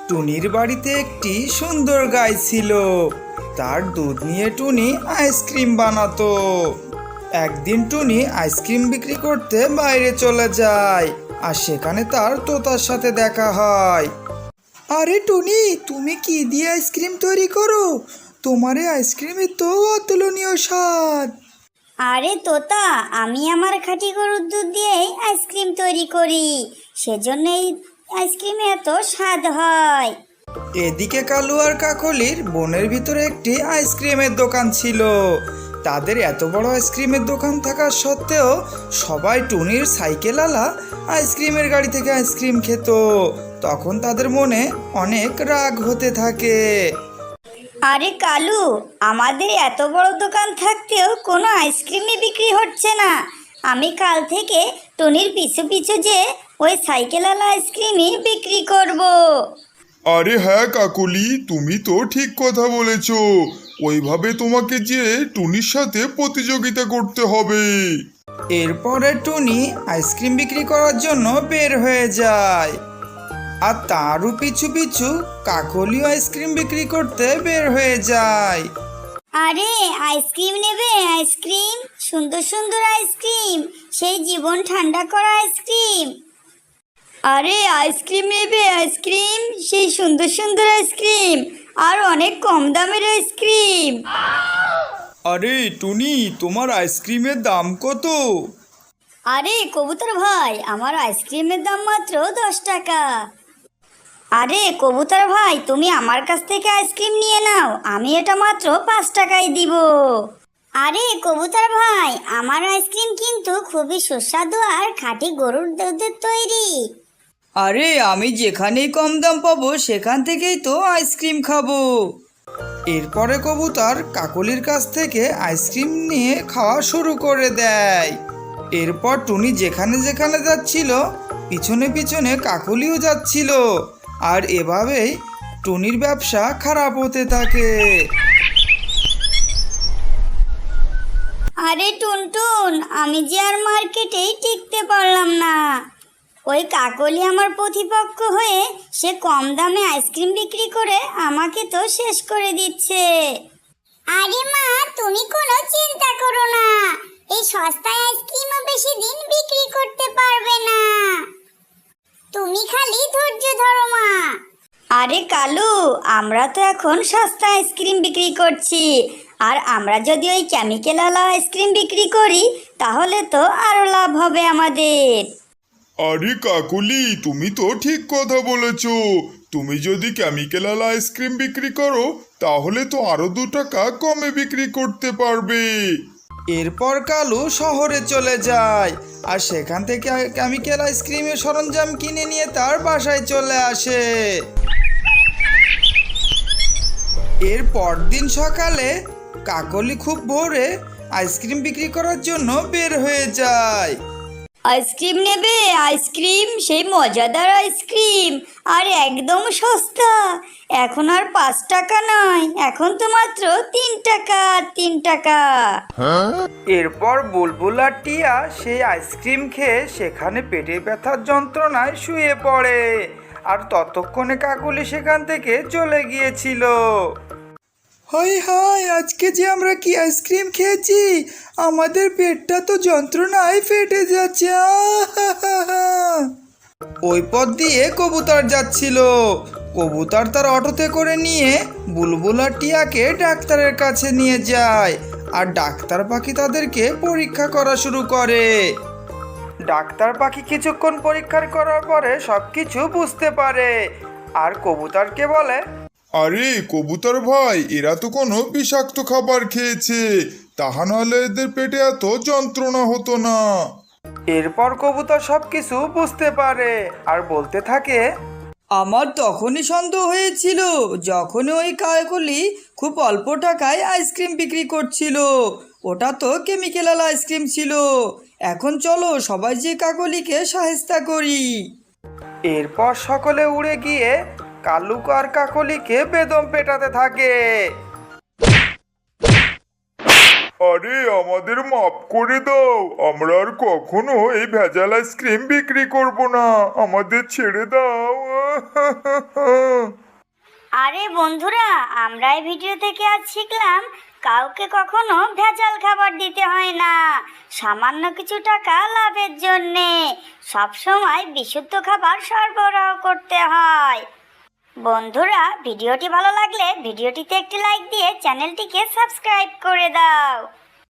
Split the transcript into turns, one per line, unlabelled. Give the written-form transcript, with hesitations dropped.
টুনির বাড়িতে একটি সুন্দর গাই ছিল। তার দুধ নিয়ে টুনি আইসক্রিম বানাতো। একদিন টুনি আইসক্রিম বিক্রি করতে বাইরে চলে যায়, আর সেখানে তার তোতার সাথে দেখা হয়। আরে টুনি, তুমি কি দিয়ে আইসক্রিম তৈরি করো? তোমার এই আইসক্রিমের তো অতুলনীয় স্বাদ।
আরে তোতা, আমি আমার খাঁটি গরুর দুধ দিয়েই আইসক্রিম তৈরি করি, সেজন্য এই আইসক্রিমে এত স্বাদ হয়।
এদিকে কালু আর কাকলির বনের ভিতরে একটি আইসক্রিমের দোকান ছিল। তাদের এত বড় আইসক্রিমের দোকান থাকা সত্ত্বেও সবাই টুনির সাইকেলওয়ালা আইসক্রিমের গাড়ি থেকে আইসক্রিম খেত। তখন তাদের মনে অনেক রাগ হতে থাকে।
আরে কালু, আমাদের এত বড় দোকান থাকতেও কোনো আইসক্রিমই বিক্রি হচ্ছে না। আমি কাল থেকে টুনির পিছু পিছু যে ওই সাইকেলওয়ালা আইসক্রিমই বিক্রি করব।
আরে হ্যাঁ কাকলি, তুমি তো ঠিক কথা বলেছ। ওইভাবে তোমাকে যে টুনির সাথে প্রতিযোগিতা করতে হবে।
এরপরে টুনি আইসক্রিম বিক্রি করার জন্য বের হয়ে যায়, আর তারও পিছু পিছু কাকলিও আইসক্রিম বিক্রি করতে বের হয়ে যায়।
আরে আইসক্রিম নেবে? আইসক্রিম, সুন্দর সুন্দর আইসক্রিম, সেই জীবন ঠান্ডা করা আইসক্রিম। আরে আইসক্রিম নেবে? আইসক্রিম, সেই সুন্দর সুন্দর আইসক্রিম, আর অনেক কম দামের আইসক্রিম।
আরে টুনি, তোমার আইসক্রিমের দাম কত?
আরে কবুতর ভাই, আমার আইসক্রিমের দাম মাত্র 10 টাকা। আরে কবুতর ভাই, তুমি আমার কাছ থেকে আইসক্রিম নিয়ে নাও, আমি এটা মাত্র 5 টাকায় দিব। আরে কবুতর ভাই, আমার আইসক্রিম কিন্তু খুবই সুস্বাদু আর খাঁটি গরুর দুধের তৈরি।
আরে আমি যেখানেই কম দাম পাবো সেখান থেকেই তো আইসক্রিম খাবো। এরপরে কবুতর কাকলির কাছ থেকে আইসক্রিম নিয়ে খাওয়া শুরু করে দেয়। এরপর টুনি যেখানে যেখানে যাচ্ছিল পিছনে পিছনে কাকলিও যাচ্ছিল, আর এভাবেই টুনির ব্যবসা খারাপ হতে থাকে।
আরে টুনটুন, আমি যে আর মার্কেটেই টিকতে পারলাম না। ওই কাকলি আমার প্রতিপক্ষ হয়ে সে কম দামে আইসক্রিম বিক্রি করে আমাকে তো শেষ করে দিচ্ছে। আরে মা, তুমি কোনো চিন্তা করো না, এই সস্তায় আইসক্রিমও বেশি দিন বিক্রি করতে পারবে না। তুমি খালি ধৈর্য ধরো মা। আরে কালু, আমরা তো এখন সস্তা আইসক্রিম বিক্রি করছি, আর আমরা যদি ওই কেমিক্যালওয়ালা আইসক্রিম বিক্রি করি তাহলে তো আরো লাভ হবে আমাদের।
আরে কাকলি, তুমি তো ঠিক কথা বলেছ। তুমি যদি কেমিক্যাল আইসক্রিম বিক্রি করো তাহলে তো আরো 2 টাকা কমে বিক্রি করতে পারবে।
এরপর কালু শহরে চলে যায়, আর সেখান থেকে কেমিক্যাল আইসক্রিমের সরঞ্জাম কিনে নিয়ে তার বাসায় চলে আসে। এর পরদিন সকালে কাকলি খুব ভোরে আইসক্রিম বিক্রি করার জন্য বের হয়ে যায়।
আইসক্রিম নেবে? আইসক্রিম, সেই মজাদার আইসক্রিম, আর একদম সস্তা। এখন আর 5 টাকা নয়, এখন তো মাত্র 3 টাকা, 3 টাকা।
এরপর বুলবুল আর টিয়া সেই আইসক্রিম খেয়ে সেখানে পেটে ব্যথার যন্ত্রণায় শুয়ে পড়ে, আর ততক্ষণে কাকলি সেখান থেকে চলে গিয়েছিল। হাই হাই, আজকে যে আমরা কি আইসক্রিম খেয়েছি, আমাদের পেটটা তো যন্ত্রণায় ফেটে যাচ্ছে। ওই পথ দিয়ে কবুতর যাচ্ছিল। কবুতর তার অটোতে করে নিয়ে বুলবুল আর টিয়াকে ডাক্তারের কাছে নিয়ে যায়, আর ডাক্তার পাখি তাদেরকে পরীক্ষা করা শুরু করে। ডাক্তার পাখি কিছুক্ষণ পরীক্ষা করার পরে সবকিছু বুঝতে পারে, আর কবুতরকে বলে,
আরে কবুতর ভাই, এরা তো কোনো বিষাক্ত খাবার খেয়েছে, তাহা নাহলে এদের পেটে এত যন্ত্রণা হতো না।
এরপর কবুতর সবকিছু বুঝতে পারে আর বলতে থাকে, আমার তখনই সন্দেহ হয়েছিল যখন ওই কাকলি খুব অল্প টাকায় আইসক্রিম বিক্রি করছিল। ওটা তো কেমিক্যাল আইসক্রিম ছিল। এখন চলো সবাই যে কাকলিকে সাহায্য করি। এরপর সকলে উড়ে গিয়ে কালু আর কাকলিকে বেদম পেটাতে থাকে।
আরে আমাদের মাফ করে দাও, আমরা আর কখনো এই ভেজাল আইসক্রিম বিক্রি করব না, আমাদের ছেড়ে দাও।
আরে বন্ধুরা, আমরা এই ভিডিও থেকে আজ শিখলাম কাউকে কখনো ভেজাল খাবার দিতে হয় না, সামান্য কিছু টাকা লাভের জন্যে সবসময় বিশুদ্ধ খাবার সরবরাহ করতে হয়। বন্ধুরা, ভিডিওটি ভালো লাগলে ভিডিওটিতে একটি লাইক দিয়ে চ্যানেলটিকে সাবস্ক্রাইব করে দাও।